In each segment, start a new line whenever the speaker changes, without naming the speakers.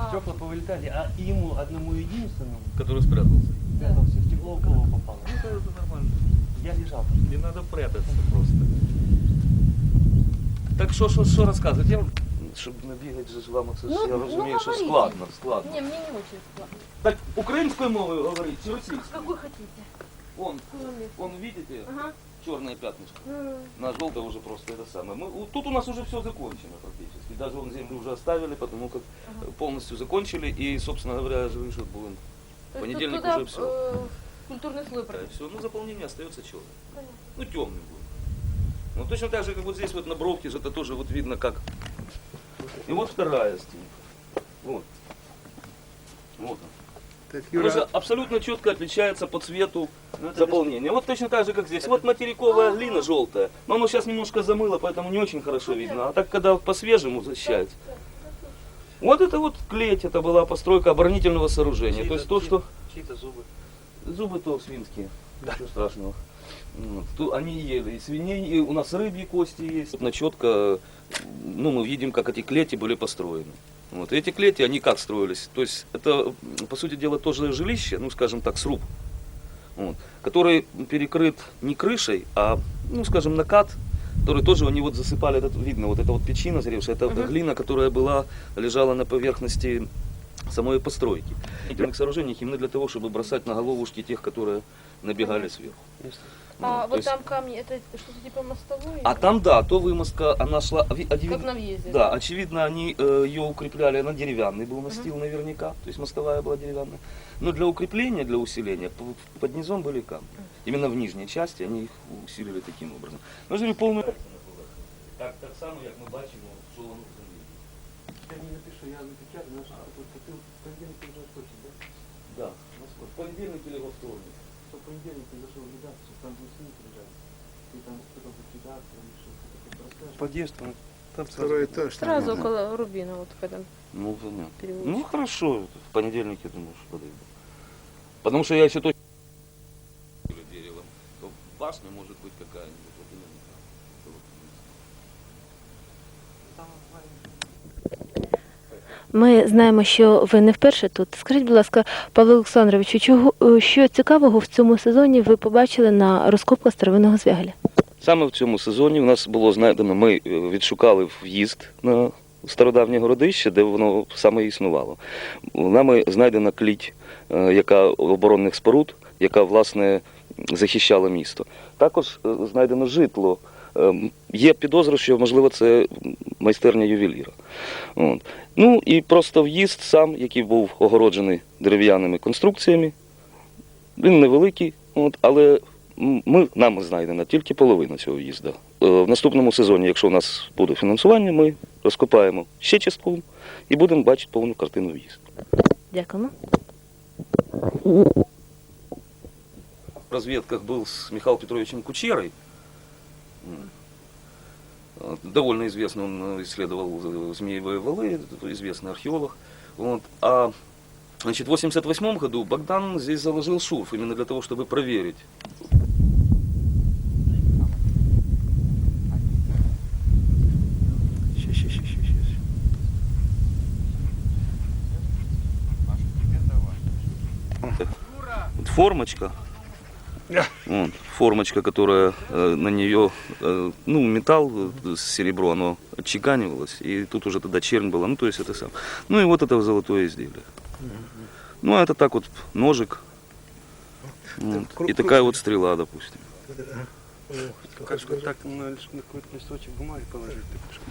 Стекла повылетали, а ему одному единственному
Который спрятался.
спрятался в стекло, в голову попало.
Ну, это нормально.
Я лежал.
Не надо прятаться просто. Так що розказувати? Я, щоб не бігати же з вами, це ж, я розумію, що
говорите.
складно.
Не, мне не очень складно.
Так, українською мовою говорить чи російською?
Какой хотите?
Он, видите,
Ага.
черное пятнышко. На желтое уже просто это самое. Тут у нас уже все закончено практически. Даже вон землю уже оставили, потому как полностью закончили. И, собственно говоря, живые шут будем.
То есть
Понедельник
тут туда,
уже все.
культурный слой
Да,
пройдет.
все. Ну, заполнение остается черным.
Понятно.
Ну, темный будет. Ну, точно так же, как вот здесь вот на бровке же это тоже вот видно как. И вот вторая стенка. Вот. Вот она.
Так,
Она же
Юра,
абсолютно четко отличается по цвету заполнения. Вот точно так же, как здесь. Вот материковая глина желтая. Но оно сейчас немножко замыло, поэтому не очень хорошо видно. А так, когда по-свежему защищается. Вот это вот клеть, это была постройка оборонительного сооружения. То есть то, что...
Чьи-то зубы.
Зубы то свинские. Ничего страшного. Вот. Тут они ели и свиней, и у нас рыбьи кости есть. Вот четко, ну, мы видим, как эти клети были построены. Вот. И эти клети, они как строились? То есть это, по сути дела, тоже жилище, ну, скажем так, сруб, вот, который перекрыт не крышей, а, ну, скажем, накат, который тоже они вот засыпали, это видно, вот эта вот печина заревшая, это глина, которая лежала на поверхности самой постройки. В сооружениях именно для того, чтобы бросать на головушки тех, которые набегали сверху.
А
то
вот
есть-
там камни, это что-то типа мостовой?
А там, да, то вымостка, она шла...
Как на въезде?
Да, очевидно, они ее укрепляли, она деревянный был настил наверняка, то есть мостовая была деревянная. Но для укрепления, для усиления, под низом были камни. Именно в нижней части они их усилили таким образом. Ну, же полную... Так само, як ми бачимо, що воно в землі.
Я не напишу, я напечатаю, но ты в понедельник уже хочешь, да?
Да, в понедельник или во вторник.
Что в понедельник ты зашел в редакцию, там будет снимки лежать. Ты там потом в редакцию, что-то расскажешь. Подъезд, там
второй этаж.
Сразу
наверное.
около Рубина, вот в этом
Ну, понятно.
переулочке.
Ну, хорошо, в понедельник, я думаю, что подойду. Потому что я еще точно... Дерево. То башня может быть какая-нибудь. Вот именно там.
Ми знаємо, що ви не вперше тут. Скажіть, будь ласка, Павло Олександровичу, що цікавого в цьому сезоні ви побачили на розкопках старовинного Звягеля?
Саме в цьому сезоні у нас було знайдено, ми відшукали в'їзд на стародавнє городище, де воно саме існувало. Нами знайдена кліть, яка оборонних споруд, яка, власне, захищала місто. Також знайдено житло. Є підозра, що, можливо, це майстерня ювеліра. От. Ну і просто в'їзд сам, який був огороджений дерев'яними конструкціями, він невеликий, але нами знайдена тільки половина цього в'їзду. В наступному сезоні, якщо у нас буде фінансування, ми розкопаємо ще частково і будемо бачити повну картину в'їзду.
Дякуємо.
В разведках был с Михаилом Петровичем Кучерой. Довольно известный, он исследовал Змеевые валы, известный археолог. Вот. А значит, в 1988 году Богдан здесь заложил шурф именно для того, чтобы проверить.
Сейчас.
Вот формочка. Вот, формочка, которая на нее, ну, металл, серебро, оно отчеканивалось, и тут уже тогда чернь была, ну, то есть это сам. Ну, и вот это золотое изделие. Ну, а это так вот ножик, вот, и такая вот стрела, допустим.
Как бы так на какой-то листочек бумаги положить.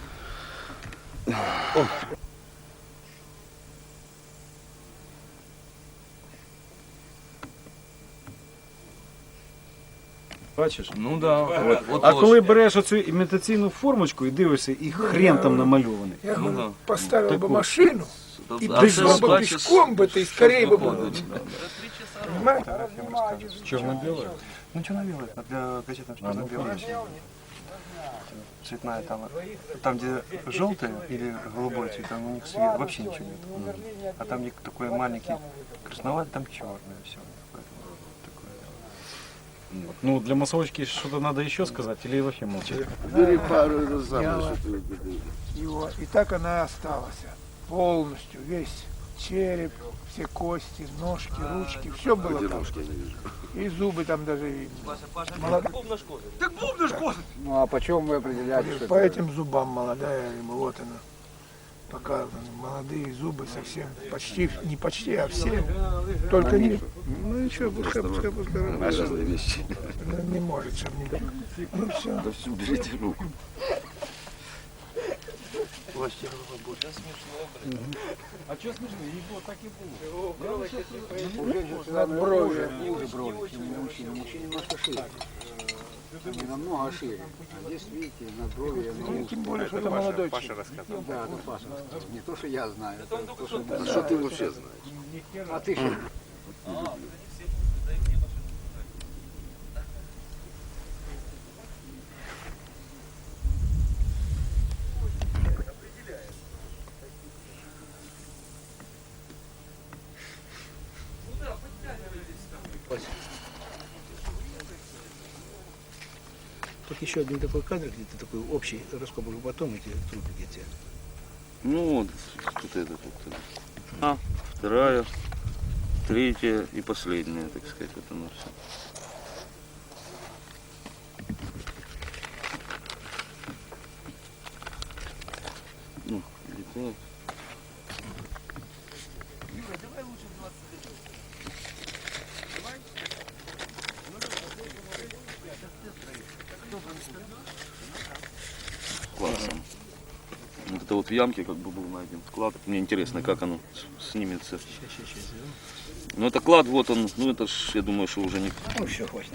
Бачиш?
Ну да. Вот
А коли береш оцю імітаційну формочку і дивишся, і хрен там намальований.
Я
Ну,
говорю,
да.
поставил бы
Такой.
машину и
А
пришел
ты
бы
бачишь,
пешком бы, ты скорее бы был.
выходит.
Понимаете?
Чорно-біле.
Ну, черно-белый, а для газетных черно-белый. Цветная там, где желтое или голубой цвет, там у них свет, вообще ничего нет. А там где такой маленький красноватый, там черное все.
Ну, для массовочки что-то надо еще сказать или вообще молчать?
Бери пару раз
Я
замуж.
вот его, и так она и осталась. Полностью, весь.
череп, все кости, ножки, ручки, все было там. И зубы там даже видно.
Ну а почем вы определяете, что
По
это?
этим зубам молодая рыба, вот она. Показаны молодые зубы совсем, почти, не почти, а все. Только не... Ну ничего, пускай.
Важные вещи.
Ну, не может, чтобы не... Ну все.
Да все, берите руку.
А что смешно? Їх було так і було.
Над бровью.
Ниже брови, чем у мужчин. У мужчин немножко шире. Не намного шире. А здесь, видите, над брови оно
Тем более, что это молодой человек.
Да, это Паша рассказывал. Не то, что я знаю. Это то, что...
А что ты вообще знаешь?
А ты что?
Тут еще один такой кадр, где-то такой общий раскоп, уже потом эти трупики эти.
Ну, вот тут это. А, вторая, третья и последняя, так сказать, вот оно все. Ну, где-то. Классом. Вот это вот в ямке как бы был найден клад. Мне интересно, как оно снимется. Ну это клад, вот он, ну это ж, я думаю, что уже не...
Ну все, хватит.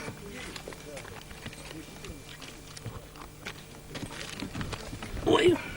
Ой,